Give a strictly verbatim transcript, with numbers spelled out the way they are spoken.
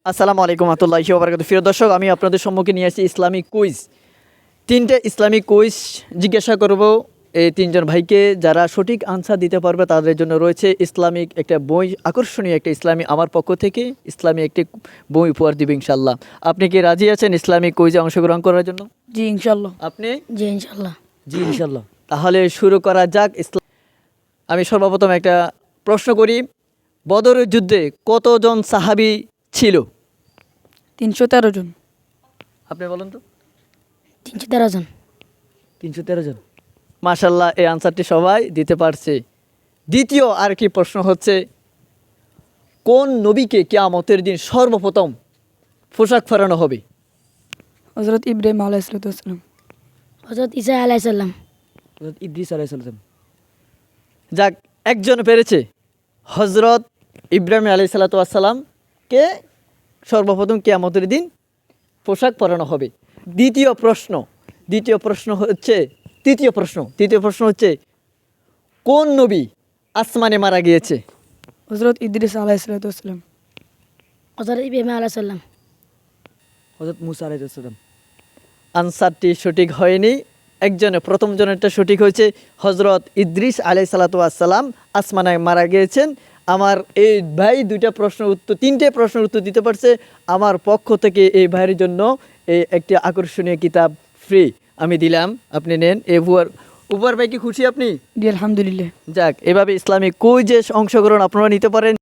আসসালামু আলাইকুম রহমতুল্লাহি ওয়া বারাকাতুহু। প্রিয় দর্শক, আমি আপনাদের সম্মুখে নিয়ে আসছি ইসলামিক কুইজ। তিনটে ইসলামিক কুইজ জিজ্ঞাসা করব এই তিনজন ভাইকে। যারা সঠিক আনসার দিতে পারবে তাদের জন্য রয়েছে ইসলামিক একটা বই, আকর্ষণীয় একটা ইসলামী আমার পক্ষ থেকে ইসলামী একটি বই উপহার দিবে ইনশাল্লাহ। আপনি কি রাজি আছেন ইসলামিক কুইজে অংশগ্রহণ করার জন্য? জি ইনশাল্লাহ। আপনি? জি ইনশাল্লাহ। জি ইনশাল্লাহ। তাহলে শুরু করা যাক। ইসলাম আমি সর্বপ্রথম একটা প্রশ্ন করি, বদরের যুদ্ধে কতজন সাহাবী ছিল? তিনশো তেরো জন। আপনি বলেন তো। তিনশো তেরো জন। তিনশো তেরো জন। মাশাল্লাহ, এই আনসারটি সবাই দিতে পারছে। দ্বিতীয় আর কি প্রশ্ন হচ্ছে, কোন নবীকে কিয়ামতের দিন সর্বপ্রথম পোশাক পরানো হবে? হজরত ইব্রাহিম আলাইহিসসালাম। হজরত ঈসা আলাইসাল্লাম। হযরত ইদ্রিস আলাইহিস সালাম। যাক, একজন পেরেছে। হজরত ইব্রাহিম আলাইহিস সালামকে সর্বপ্রথম কিয়ামতের দিন পোশাক পরানো হবে। দ্বিতীয় প্রশ্ন দ্বিতীয় প্রশ্ন হচ্ছে তৃতীয় প্রশ্ন তৃতীয় প্রশ্ন হচ্ছে, কোন নবী আসমানে মারা গিয়েছে? হজরত ইদ্রিস আলাইহিসসালাম। হজরত ইব্রাহিম আলাইসাল্লাম। হযরত মুসা আলাইহিস সালাম। আনসারটি সঠিক হয়নি। একজনে প্রথম জনেরটা সঠিক হয়েছে। হজরত ইদ্রিস আলাইহিস সালাম আসমানে মারা গিয়েছেন। আমার এই ভাই দুইটা প্রশ্নের উত্তর তিনটে প্রশ্নের উত্তর দিতে পারছে। আমার পক্ষ থেকে এই ভাইয়ের জন্য এই একটি আকর্ষণীয় কিতাব ফ্রি আমি দিলাম, আপনি নেন। এ উপহার উপহার ভাই কি খুশি আপনি? জি আলহামদুলিল্লাহ। যাক, এভাবে ইসলামিক কুইজে অংশগ্রহণ আপনারা নিতে পারেন।